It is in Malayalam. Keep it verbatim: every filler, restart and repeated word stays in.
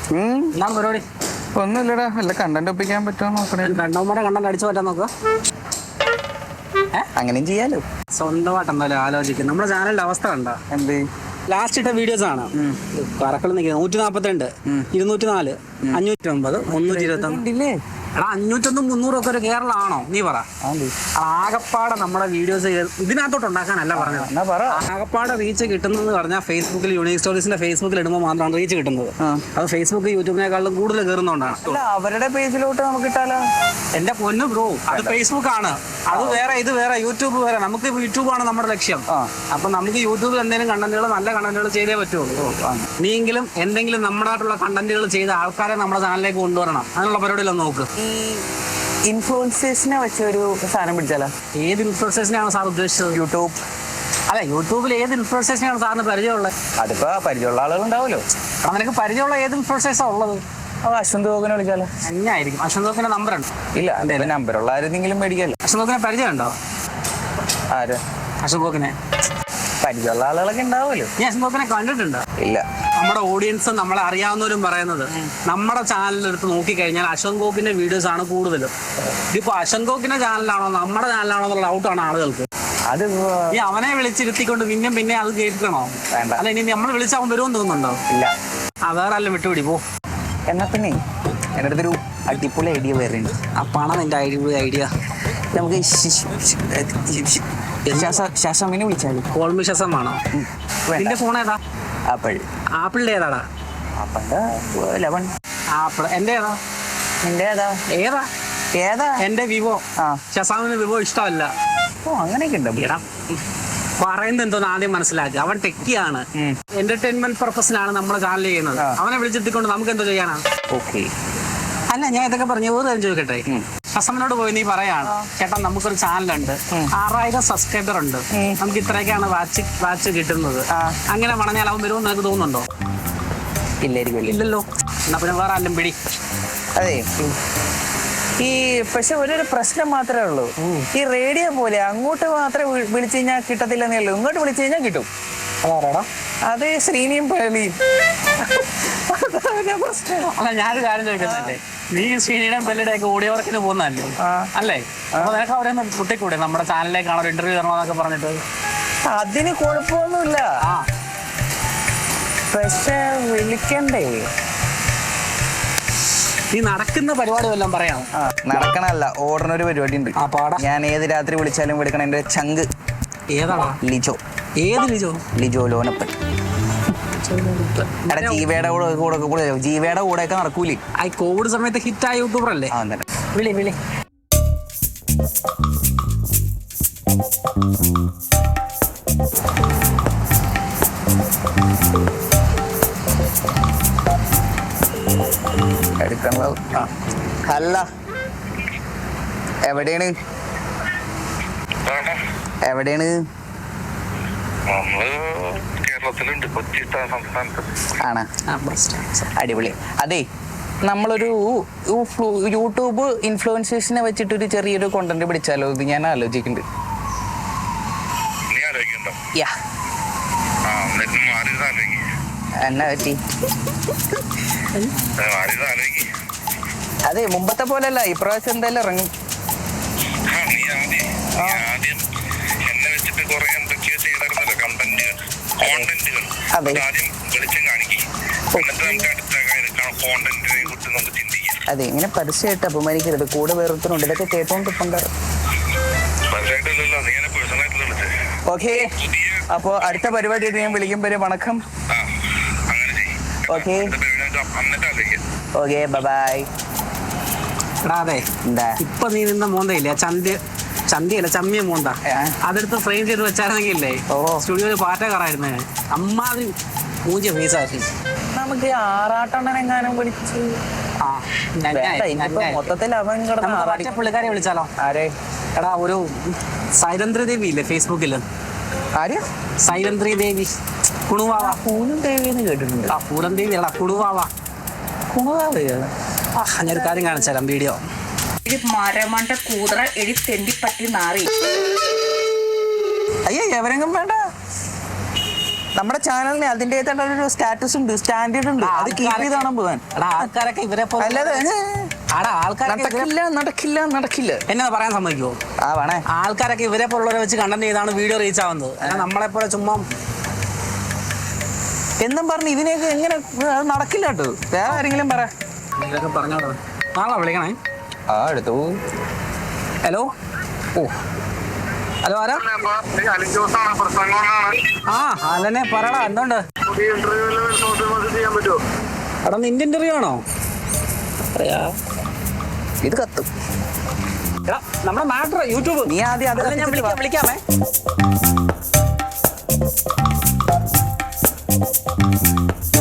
എന്താണ് പരിപാടി? ഒന്നുമില്ലടാ, വല്ല കണ്ടന്റ് ഒപ്പിക്കാൻ പറ്റുമോ നോക്കണേ. രണ്ടാമൂടെ കണ്ടന്റ് അടിച്ചു പറ്റാൻ നോക്കുക. അങ്ങനെയും ചെയ്യാലോ. സ്വന്തമായിട്ട് എന്തായാലും ആലോചിക്കും. നമ്മുടെ ചാനലിന്റെ അവസ്ഥ കണ്ടോ? എന്ത് ലാസ്റ്റ് ഇട്ട വീഡിയോസ് ആണ് കറക്കൾ നിൽക്കുന്നത്. നൂറ്റി നാപ്പത്തിരണ്ട്, ഇരുന്നൂറ്റി നാല്, അഞ്ഞൂറ്റി ഒമ്പത്, മുന്നൂറ്റി ഇരുപത്തി ഒന്നില്ലേ? എടാ അഞ്ഞൂറ്റൊന്നും മുന്നൂറും ഒക്കെ ഒരു കേരള ആണോ നീ പറ? ആകപ്പാടെ നമ്മുടെ വീഡിയോസ് ഇതിനകത്തോട്ട് ഉണ്ടാക്കാനല്ല പറഞ്ഞത്. ആകപ്പാടെ റീച്ച് കിട്ടുന്നത് പറഞ്ഞാൽ ഫേസ്ബുക്കിൽ യൂണിക് സ്റ്റോറീസിന്റെ ഫേസ്ബുക്കിൽ ഇടുമ്പോൾ മാത്രമാണ് റീച്ച് കിട്ടുന്നത്. അത് ഫേസ്ബുക്ക് യൂട്യൂബിനേക്കാളും കൂടുതൽ കയറുന്നതുകൊണ്ടാണ്. അവരുടെ പേജിലോട്ട് നമുക്ക് ഇട്ടാലോ? എന്റെ പൊന്നു ബ്രോ, അത് ഫേസ്ബുക്ക് ആണ്, അത് വേറെ, ഇത് വേറെ, യൂട്യൂബ് വേറെ. നമുക്ക് യൂട്യൂബാണ് നമ്മുടെ ലക്ഷ്യം. അപ്പൊ നമുക്ക് യൂട്യൂബിൽ എന്തെങ്കിലും കണ്ടന്റുകൾ, നല്ല കണ്ടന്റുകൾ ചെയ്തേ പറ്റുള്ളൂ. നീയെങ്കിലും എന്തെങ്കിലും നമ്മുടെയായിട്ടുള്ള കണ്ടന്റുകൾ ചെയ്ത ആൾക്കാരെ നമ്മുടെ ചാനലിലേക്ക് കൊണ്ടുവരണം. അതിനുള്ള പരിപാടിയിലൊന്ന് നോക്ക്. ഈ ഇൻഫ്ലുവൻസേഴ്സിനെ വെച്ചൊരു സാധനം പിടിച്ചാലോ? ഏത് ഇൻഫ്ലുവൻസേഴ്സിനെയാണ് സാർ ഉദ്ദേശിച്ചത്? യൂട്യൂബ് അല്ല, യൂട്യൂബിൽ ഏത് ഇൻഫ്ലുവൻസേഴ്സിനെയാണ് സാറിന് പരിചയമുള്ളത്? അതിപ്പോ പരിചയമുള്ള ആളുകൾ ഉണ്ടാവുമല്ലോ. നിനക്ക് പരിചയമുള്ള ഏത് ഇൻഫ്ലുവൻസേഴ്സാണ് ഉള്ളത്? അശ്വന്ത് ഗോകിനെ വിളിച്ചാലോ? അഞ്ഞായിരിക്കും. അശ്വന്ത് ഗോകിന്റെ നമ്പർ ഉണ്ട്? ഇല്ല, എന്റെ നമ്പറുള്ള ആരെങ്കിലും മേടിക്കാല്ലോ. അശ്വന്ത് ഗോകിനെ പരിചയം ഉണ്ടോ? ആര്? അശ്വന്ത് ഗോകിനെ പരിചയമുള്ള ആളുകളൊക്കെ ഉണ്ടാവുമല്ലോ. നീ അശ്വന്ത് ഗോകിനെ കണ്ടിട്ടുണ്ടോ? ഇല്ല. നമ്മുടെ ഓഡിയൻസ്, നമ്മളെ അറിയാവുന്നവരും പറയുന്നത്, നമ്മുടെ ചാനലിലെടുത്ത് നോക്കിക്കഴിഞ്ഞാൽ അശ്വന്ത് ഗോകിന്റെ വീഡിയോസ് ആണ് കൂടുതലും. ഇതിപ്പോ അശ്വന്ത് ഗോകിന്റെ ചാനലാണോ നമ്മുടെ ചാനലാണോ എന്നുള്ള ഡൗട്ടാണ് ആളുകൾക്ക്. അത് ഈ അവനെ വിളിച്ചിരുത്തിക്കൊണ്ട് പിന്നെ പിന്നെ അത് കേൾക്കണോ? വേണ്ട. അല്ല, ഇനി നമ്മൾ വിളിച്ചാൽ അവൻ വരുമെന്ന് തോന്നുന്നുണ്ടോ? ഇല്ല. ആ, വേറെ അല്ല, വിട്ടുപിടി പോ. എന്നാ പിന്നെ എൻ്റെ അടുത്തൊരു അടിപൊളി ഐഡിയ വേറെ ഉണ്ട്. ആ പണം നിന്റെ അടിപൊളി ഐഡിയ. നമുക്ക് ശാസമിനെ വിളിച്ചാലും കോൾമി ശസമാണോ? നിന്റെ ഫോൺ ഏതാ? ആപ്പിൾ. ആപ്പിളിന്റെ ഏതാടാ? ആപ്പിളിന്റെ ലെവൻ. ആപ്പിൾ. എന്റെ ഏതാ? നിന്റെ ഏതാ? ഏതാ? ഏതാ? എന്റെ വിവോ. ആ, ശസാമിന് വിവോ ഇഷ്ടമല്ല. ഓ, അങ്ങനെയൊക്കെ ഉണ്ട്. എടാ, പറയുന്നത് എന്തോന്ന് ആദ്യം മനസ്സിലാക്കുക. അവൻ ടെക്കിയാണ്, എന്റർടൈൻമെന്റ് പർപ്പസിലാണ് നമ്മുടെ ചാനൽ ചെയ്യുന്നത്. അവനെ വിളിച്ചെത്തിക്കൊണ്ട് നമുക്ക് എന്തോ ചെയ്യാനാണ്? ഓക്കെ. അല്ല, ഞാൻ ഇതൊക്കെ പറഞ്ഞു വേറെ കാര്യം ചോദിക്കട്ടെ. ഹസമിനോട് പോയി നീ പറയാണ്, ചേട്ടാ നമുക്കൊരു ചാനലുണ്ട്, ആറായിരം സബ്സ്ക്രൈബർ ഉണ്ട്, നമുക്ക് ഇത്രയൊക്കെയാണ് വാച്ച് വാച്ച് കിട്ടുന്നത്, അങ്ങനെ പറഞ്ഞാൽ അവൻ വരുമെന്ന് നിനക്ക് തോന്നുന്നുണ്ടോ? ഇല്ലായിരിക്കും. ഇല്ലല്ലോ. എന്നാ പിന്നെ വേറെ ആരും പിടി. അതെ, ഈ പക്ഷെ ഒരു പ്രശ്നം മാത്രമേ ഉള്ളൂ. ഈ റേഡിയോ പോലെ അങ്ങോട്ട് മാത്രമേ വിളിച്ചു കഴിഞ്ഞാൽ കിട്ടത്തില്ലെന്നേ ഉള്ളൂ, ഇങ്ങോട്ട് വിളിച്ചു കഴിഞ്ഞാൽ കിട്ടും. അതാരാടാ? അത് ശ്രീനിയും പേളിയും. അല്ല, ഞാനൊരു കാര്യം ചോദിക്കുന്നല്ലേ, നീ ശ്രീനിയുടെയും പെല്ലിയുടെ ഒക്കെ ഓഡിയോ വർക്കിന് പോകുന്നതല്ലേ അല്ലേ? അപ്പൊ നിനക്ക് അവരെ ഒന്ന് കുട്ടിക്കൂടെ നമ്മുടെ ചാനലിലേക്കാണ് ഒരു ഇന്റർവ്യൂ തരണമെന്നൊക്കെ പറഞ്ഞിട്ട്? അതിന് കുഴപ്പമൊന്നുമില്ല. ആ, പക്ഷെ വിളിക്കണ്ടേ? നീ നടക്കുന്ന പരിപാടി വല്ലതും പറയാം. നടക്കണല്ല, ഓടണ ഒരു പരിപാടി ഉണ്ട്. ആ, പാടാ. ഞാൻ ഏത് രാത്രി വിളിച്ചാലും വിളിക്കണം. എന്റെ ചങ്ക്. ഏതാടാ? ലിജോ. ഏത് ലിജോ? ലിജോ ലോനപ്പൻ. എടാ, ജീവയുടെ കൂടെ കൂടെ ജീവയുടെ കൂടെ ഒക്കെ നടക്കൂലേ? ആ കോവിഡ് സമയത്ത് ഹിറ്റായ യൂട്യൂബർ അല്ലേ? വിളി വിളി. എടുക്കണത്. അല്ല, എവിടെയാണ് എവിടെയാണ് ആണ്? അടിപൊളി. അതെ, നമ്മളൊരു യൂട്യൂബ് ഇൻഫ്ലുവൻസേഴ്സിനെ വെച്ചിട്ടൊരു ചെറിയൊരു കോണ്ടന്റ് പിടിച്ചാലോ? ഇത് ഞാൻ ആലോചിക്കുന്നുണ്ട്. എന്നാ പറ്റി? അതെ, മുമ്പത്തെ പോലെയല്ല, ഇപ്രാവശ്യം എന്തായാലും ഇറങ്ങും. അതെ, ഇങ്ങനെ പരസ്യമായിട്ട് അപമാനിക്കരുത്. കൂടെ വേറൊരുത്തനുണ്ട്, ഇതൊക്കെ കേട്ടോണ്ട് ഇപ്പണ്ടാറ്. ഓക്കെ, അപ്പോ അടുത്ത പരിപാടി ഞാൻ വിളിക്കുമ്പോ വണക്കം. Okay okay, bye. എടാ, അതെ, ഇപ്പൊ നീ നിന്ന മോന്തയില്ലേ, ചന്തി ചന്തിയല്ല ചമ്മിയ മോന്ത, അതെടുത്ത് ഫ്രെയിം ചെയ്ത് വെച്ചായിരുന്നെങ്കിൽ ഇല്ലേ സ്റ്റുഡിയോയിൽ പാറ്റ കയറായിരുന്നേ. അമ്മാതി മൂഞ്ചിയ ഫീസാക്കി. നമുക്ക് ആറാട്ടെണ്ണെങ്ങാനും വിളിച്ച് മൊത്തത്തിൽ അവൻ കിടന്ന് പുള്ളിക്കാരെ വിളിച്ചാലോ? ആരെ? എടാ, ഒരു സൈലന്ത്രി ദേവി ഇല്ലേ ഫേസ്ബുക്കില്? ആര്? സൈലന്ത്രി ദേവി. കുണുവാവ. പൂനം ദേവിന്ന് കേട്ടിട്ടുണ്ട്. ആ, പൂരം ദേവി അല്ല, കുണുവാവ. കുണുവാവയാണ്. ആ, ഞാനൊരു കാര്യം കാണിച്ചാലും വീഡിയോ. മരമണ്ട കൂതറ എടി തെണ്ടിപ്പറ്റി നാറി. അയ്യോ, എവരെങ്കിലും വേണ്ട. നമ്മുടെ ചാനലിന് അതിൻ്റെതായിട്ടുള്ള ഒരു സ്റ്റാറ്റസ് ഉണ്ട്, സ്റ്റാൻഡേർഡ് ഉണ്ട്. അത് കീപ്പ് ചെയ്താണ് പോകാൻ. എടാ ആൾക്കാരൊക്കെ ഇവരെ പോലെ അല്ലാതെ എടാ ആൾക്കാരൊക്കെ ഇവരെ- നടക്കില്ല നടക്കില്ല നടക്കില്ല. എന്നെ പറയാൻ സമ്മതിക്കുമോ? ആ വേണേ. ആൾക്കാരൊക്കെ ഇവരെ പോലുള്ളവരെ വെച്ച് കണ്ടന്റ് ചെയ്താണ് വീഡിയോ റീച്ച് ആവുന്നത്. അല്ല നമ്മളെ പോലെ ചുമ്മാ എന്നും പറഞ്ഞ് ഇതിനെയൊക്കെ എങ്ങനെ അത് നടക്കില്ല കേട്ടോ. വേറെ ആരെങ്കിലും പറ. ഇതൊക്കെ പറഞ്ഞോളൂ. നാളെ വിളിക്കണേ. ആ എടുത്തു. ഹലോ. ഓ ഹലോ ആരാ? ആ അല്ലെന്നെ പറടാ, എന്തുണ്ട്? എടാ നിന്റെ ഇന്റർവ്യൂ ആണോ? പറയാ ഇത് കത്തും. എടാ നമ്മുടെ മാറ്റർ യൂട്യൂബ്. നീ ആദ്യം അത് അല്ല, ഞാൻ കത്തിച്ചിട്ട് വിളിക്കാം വാ. വിളിക്കാമേ.